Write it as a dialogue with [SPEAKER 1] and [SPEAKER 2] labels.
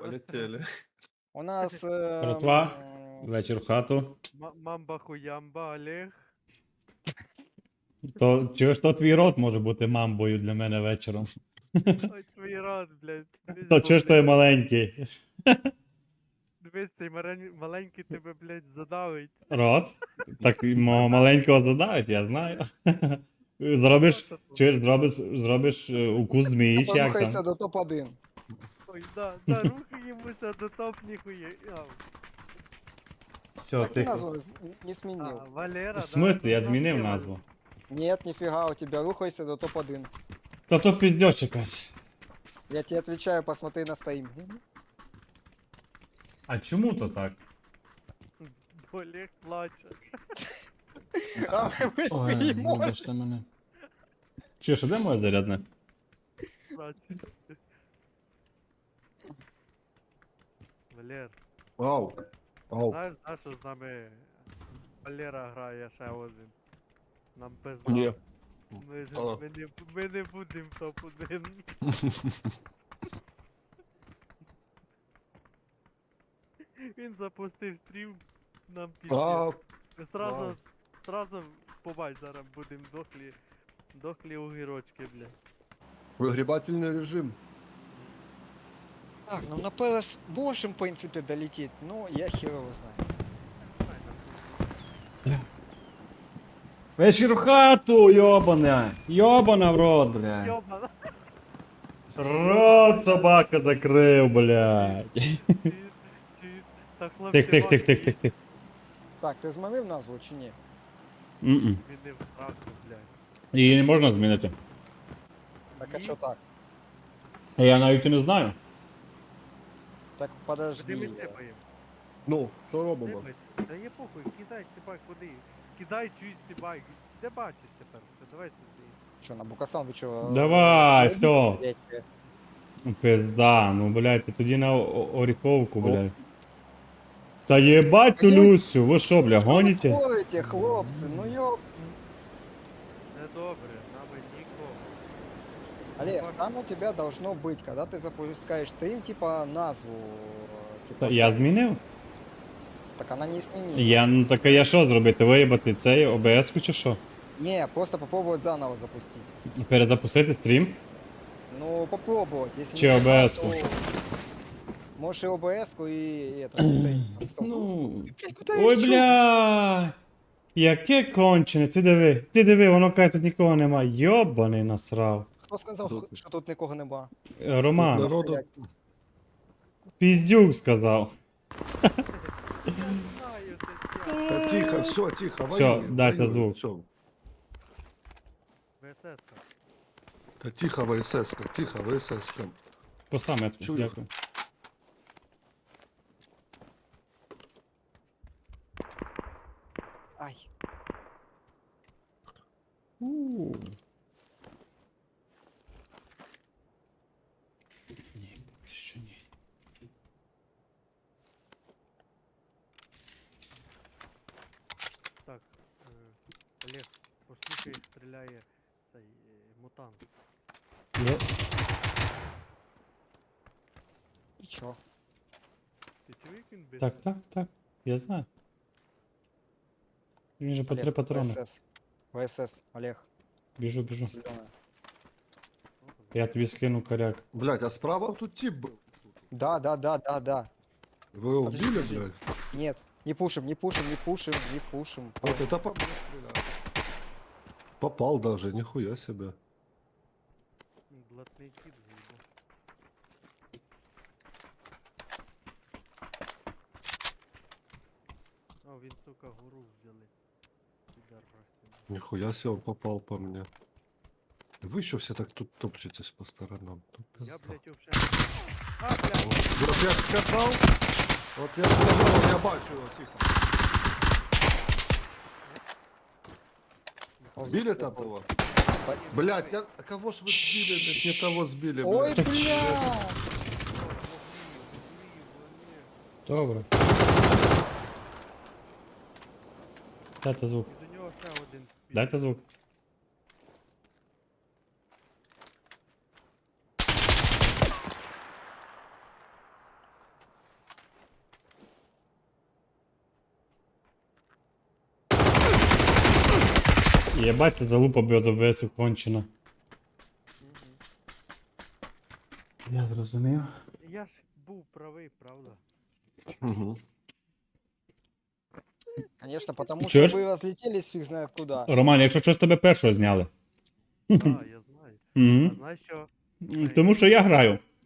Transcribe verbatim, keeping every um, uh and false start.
[SPEAKER 1] Полетели.
[SPEAKER 2] У нас...
[SPEAKER 3] Братва,
[SPEAKER 2] ем,
[SPEAKER 3] вечір в хату.
[SPEAKER 4] Ма- Мамба хуямба, Олег.
[SPEAKER 3] То чуєш, то твій рот може бути мамбою для мене вечором.
[SPEAKER 4] Ой, твій рот, блядь. Дивись,
[SPEAKER 3] То чуєш,
[SPEAKER 4] бо,
[SPEAKER 3] той
[SPEAKER 4] блядь,
[SPEAKER 3] маленький.
[SPEAKER 4] Дивись, цей марен- маленький тебе, блядь, задавить.
[SPEAKER 3] Рот? Так і мого маленького задавить, я знаю. Зробиш, чуєш, зробиш, зробиш е, укус змії, чи як
[SPEAKER 2] Порухайся
[SPEAKER 3] там?
[SPEAKER 2] до топ один.
[SPEAKER 4] Ой, да, да, рухаємося до топ ніхуя. А,
[SPEAKER 3] Все,
[SPEAKER 2] Так ты
[SPEAKER 3] тихо.
[SPEAKER 2] назву не
[SPEAKER 4] а,
[SPEAKER 2] сменил.
[SPEAKER 4] Валера,
[SPEAKER 3] В смислі, я
[SPEAKER 4] да,
[SPEAKER 3] змінив
[SPEAKER 4] Валера.
[SPEAKER 3] назву.
[SPEAKER 2] Нет, нифига, у тебя рухайся до топ один.
[SPEAKER 3] Та то піздьош якась.
[SPEAKER 2] Я тебе отвечаю, посмотри на стоим.
[SPEAKER 3] А чому то так?
[SPEAKER 4] Бо Олег плаче.
[SPEAKER 2] А мы смеемся.
[SPEAKER 3] вибачте мене. Чуєш, а де моє зарядне?
[SPEAKER 4] плаче. Валер,
[SPEAKER 1] Ау. Ау.
[SPEAKER 4] знаєш, знаєш, що з нами Валера грає ще один? Нам пизда.
[SPEAKER 1] Ні.
[SPEAKER 4] Ми, ж-
[SPEAKER 1] А.
[SPEAKER 4] ми, не, ми не будемо топ один. Він запустив стрім, нам піздець.
[SPEAKER 1] А,
[SPEAKER 4] Ми Сразу,
[SPEAKER 1] вау.
[SPEAKER 4] сразу побач, зараз будемо дохлі, дохлі огірочки, бля.
[SPEAKER 1] Выгребательный режим.
[SPEAKER 2] Так, ну на ПЛС можем, в принципе, долететь, но я хер его знаю.
[SPEAKER 3] Вечір в хату, йобана! Йобана в рот, блядь.
[SPEAKER 4] Йобана.
[SPEAKER 3] Рот собака закрив, блядь.
[SPEAKER 4] Чи- чи- Та хлопці
[SPEAKER 3] Тих, тих, тих,
[SPEAKER 4] ваші
[SPEAKER 3] тих, тих, тих.
[SPEAKER 2] Так, ты зманив назву чи ні?
[SPEAKER 3] М-м.
[SPEAKER 4] змінив правду, блядь.
[SPEAKER 3] Її не можна змінити.
[SPEAKER 2] Так а
[SPEAKER 4] Ні.
[SPEAKER 2] що так?
[SPEAKER 3] Я навіть і не знаю.
[SPEAKER 2] Так
[SPEAKER 4] Куди
[SPEAKER 2] подожди.
[SPEAKER 4] ми тепаємо?
[SPEAKER 1] Ну, що робимо?
[SPEAKER 4] Та є похуй, кидай цибай куди. Кидай чують цибай. Де бачиш тепер? Все, давай сюди.
[SPEAKER 2] Що, на Букасан ви чого?
[SPEAKER 3] Давай, все.
[SPEAKER 2] Блядь,
[SPEAKER 3] Пизда, ну, блядь, ти тоді на о- оріховку, блядь. Та єбать ту Люсю, ви що, бля,
[SPEAKER 2] Що ви
[SPEAKER 3] гоніте?
[SPEAKER 2] ходите, хлопці? Ну йоп.
[SPEAKER 4] Не добре, нами нікого.
[SPEAKER 2] Олег, там у тебя должно быть, когда ты запускаешь стрим, типа назву. э, Типа,
[SPEAKER 3] Та я змінив?
[SPEAKER 2] Так она не изменила.
[SPEAKER 3] Я, ну так а я що зробити? Виїбати цей О Б С-ку чи що?
[SPEAKER 2] Не, просто попробовать заново запустить.
[SPEAKER 3] Перезапустити стрім?
[SPEAKER 2] Ну, попробовать. Если
[SPEAKER 3] Че
[SPEAKER 2] не
[SPEAKER 3] О Б С-ку?
[SPEAKER 2] то можешь и О Б С-ку, и это. стрим. Стоп.
[SPEAKER 3] Ну.
[SPEAKER 2] Блядь, куда
[SPEAKER 3] Ой,
[SPEAKER 2] я чё?
[SPEAKER 3] бля. Яке кончене, ти диви, ти диви, воно каже, тут нікого нема. Йобаний насрав.
[SPEAKER 2] Хто сказав,
[SPEAKER 1] Тут.
[SPEAKER 2] що тут нікого нема?
[SPEAKER 3] Е, Роман,
[SPEAKER 1] Народу.
[SPEAKER 3] піздюк сказав.
[SPEAKER 4] Я знаю, це я.
[SPEAKER 1] Та Тихо, все, тихо,
[SPEAKER 3] Всё,
[SPEAKER 1] воюем,
[SPEAKER 3] дайте
[SPEAKER 1] воюем,
[SPEAKER 3] звук.
[SPEAKER 1] всё.
[SPEAKER 4] ВСС-ка.
[SPEAKER 1] Та тихо, В С С-ка, тихо, В С С-ка.
[SPEAKER 3] По саметку,
[SPEAKER 1] Чую.
[SPEAKER 3] дякую.
[SPEAKER 2] Ай.
[SPEAKER 3] У. Ні, поки що ні.
[SPEAKER 4] Так, е, Олег, послухай, як стріляє цей е, мутант.
[SPEAKER 3] Є.
[SPEAKER 2] І чо?
[SPEAKER 4] Ти чув, як він бить?
[SPEAKER 3] Так, так, так, я знаю. Він же по три патрони.
[SPEAKER 2] В С С. В С С, Олег,
[SPEAKER 3] Біжу, біжу.
[SPEAKER 2] зеленая.
[SPEAKER 3] Я тобі скину коряк.
[SPEAKER 1] Блять, а справа тут тип был.
[SPEAKER 2] Да, да, да, да, да.
[SPEAKER 1] Вы его
[SPEAKER 2] Подожди,
[SPEAKER 1] убили,
[SPEAKER 2] подожди.
[SPEAKER 1] блядь?
[SPEAKER 2] Нет, не пушим, не пушим, не пушим, не пушим.
[SPEAKER 1] Вот это по мне стрелял. Попал даже, нихуя себе.
[SPEAKER 4] Блатний кіт заїбав. О, він, сука, гору взяли. Підарасів.
[SPEAKER 1] Нихуя себе он попал по мне. Вы еще все так тут топчетесь по сторонам. Тут
[SPEAKER 4] Я,
[SPEAKER 1] пизда.
[SPEAKER 4] блядь, вообще... А, блядь!
[SPEAKER 1] Вот я ж сказал, вот я сказал, я бачу его, тихо. Сбили там его? Блять, я... а кого ж вы сбили? блядь, Не того сбили,
[SPEAKER 2] Ой,
[SPEAKER 1] блядь.
[SPEAKER 2] бля!
[SPEAKER 3] Добре. Дайте звук.
[SPEAKER 4] І до нього ще один. піде.
[SPEAKER 3] Дайте звук. Єбать, це залупа би ОБС кончена. Я зрозумів.
[SPEAKER 4] Я ж був правий, правда?
[SPEAKER 1] Угу.
[SPEAKER 2] Конечно, потому
[SPEAKER 3] Чё ж?
[SPEAKER 2] что вы разлетелись фиг знает куда.
[SPEAKER 3] Роман, якщо щось тебе першого зняли.
[SPEAKER 4] Так, я знаю.
[SPEAKER 3] Угу.
[SPEAKER 4] А знаєш що?
[SPEAKER 3] Тому що я граю.